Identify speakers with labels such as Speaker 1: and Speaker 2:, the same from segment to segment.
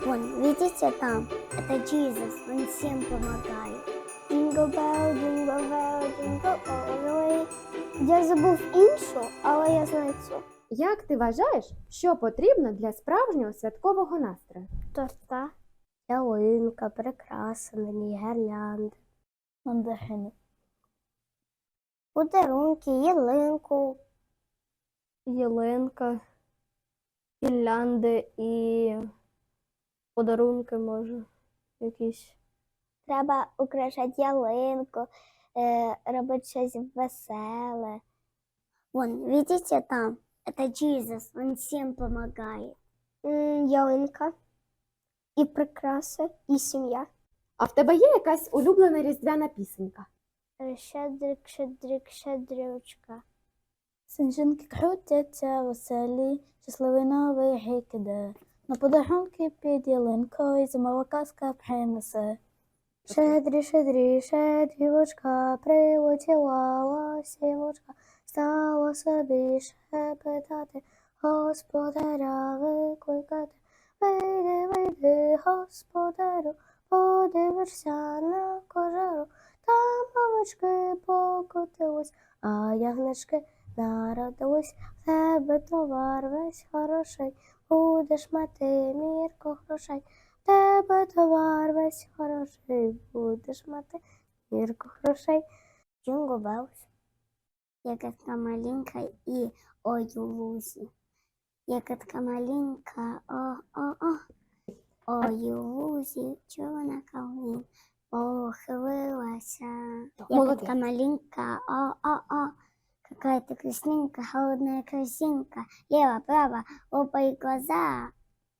Speaker 1: Вон, видите там? Это Иисус, Он всем помогает. Jingle bell, jingle all the way. Я забув іншу, але я знаю цю.
Speaker 2: Як ти вважаєш, що потрібно для справжнього святкового настрою?
Speaker 1: Торта, ялинка, прикраси на ній, гірлянди,
Speaker 3: Мандарини.
Speaker 1: подарунки, ялинку.
Speaker 3: Ялинка, гірлянди і подарунки, може, якісь.
Speaker 1: Треба украшати ялинку, робити щось веселе. Вон, видите там? Это Иисус, Он всем помогает. Ялинка, і прикраси, і сім'я.
Speaker 2: А в тебе є якась улюблена різдвяна пісенька?
Speaker 1: Щедрик, щедрик, щедрючка.
Speaker 3: Сніжинки крутяться веселі, щасливий новий рік іде. На подарунки під ялинкою зимова казка принесе. Щедрі, щедрі, щедрівочка, прилетіла ласівочка, стала собі шепетати, господаря викликати. Вийди, вийди, господарю, подивишся на кожару, там овечки покотились, а ягнички народились. В тебе товар весь хороший, будеш мати мірку грошей. В тебе товар весь хороший, будеш мати мірку грошей.
Speaker 1: Jingle bells. Ягодка маленькая и ой у лузі. Ягодка маленька, о-о-о. Ой у лузі, чорна калина похилилася. Ягодка маленька, о-о-о. Какая ты красненькая, холодная корзинка. Лево, право, опа и глаза.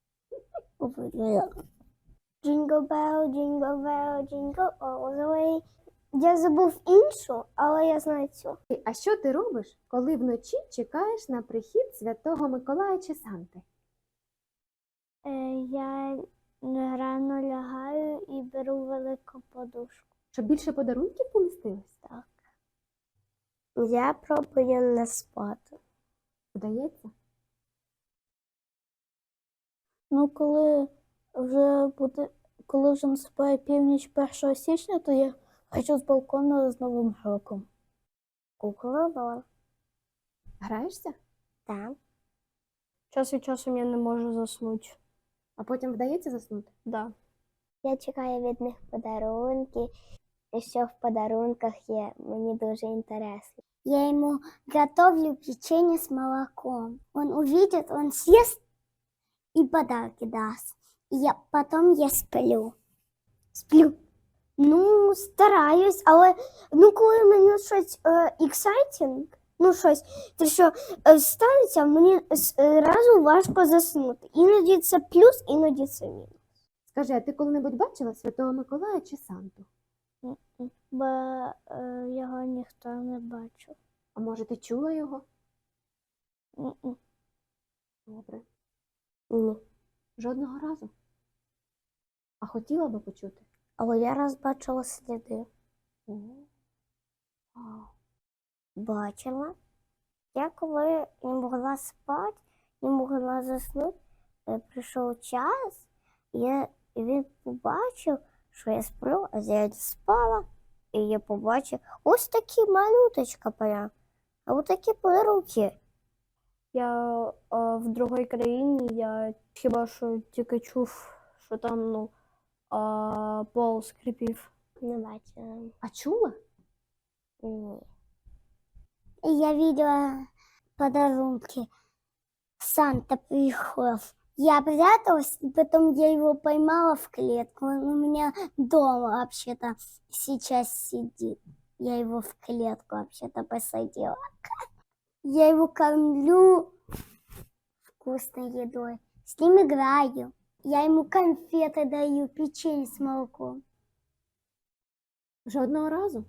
Speaker 1: Jingle bell, jingle all the way. Я забув іншу, але я знаю цю.
Speaker 2: А що ти робиш, коли вночі чекаєш на прихід Святого Миколая чи Санти?
Speaker 1: Я рано лягаю і беру велику подушку.
Speaker 2: Щоб більше подарунків помістилось?
Speaker 1: Так. Я пробую не спати.
Speaker 2: Вдається?
Speaker 3: Ну, коли вже наступає північ 1 січня, то я хочу з балкону з Новим роком.
Speaker 1: Кукла.
Speaker 2: Граєшся?
Speaker 1: Так.
Speaker 3: Час від часу я не можу заснути.
Speaker 2: А потім вдається заснути?
Speaker 3: Да.
Speaker 1: Я чекаю від них подарунки. І що в подарунках є, мені дуже інтересно. Я ему готовлю печенье с молоком. Он увидит, он съест и подарки даст. И потом я сплю. Сплю. Ну, стараюсь, але коли мені щось exciting, щось, те, що станеться, мені зразу важко заснути. Іноді це плюс, іноді це мінус.
Speaker 2: Скажи, а ти коли-небудь бачила Святого Миколая чи Санту?
Speaker 1: Бо його ніхто не бачив.
Speaker 2: А може ти чула його? Добре.
Speaker 1: Ні.
Speaker 2: Жодного разу? А хотіла би почути?
Speaker 1: Але я раз бачила сліди.
Speaker 2: Вау.
Speaker 1: Бачила. Я коли не могла спати, не могла заснути, прийшов час, і він побачив, що я сплю, а я спала. І я побачив ось такі малюточка прям, а ось такі подарунки.
Speaker 3: Я в другій країні, я хіба що тільки чув, що там, пол скрипів.
Speaker 1: Не бачила.
Speaker 2: А чула?
Speaker 1: Ні. Я видела подарунки. Санта приехал. Я пряталась, и потом я его поймала в клетку. Он у меня дома вообще-то сейчас сидит. Я его в клетку вообще-то посадила. Я его кормлю вкусной едой. С ним играю. Я ему конфеты даю, печенье с молоком.
Speaker 2: Жодного разу?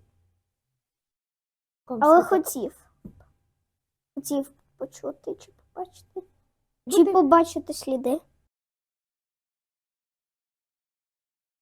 Speaker 1: Але хотів. Хотів почути чи побачити. Чи
Speaker 2: Буде-
Speaker 1: побачити сліди.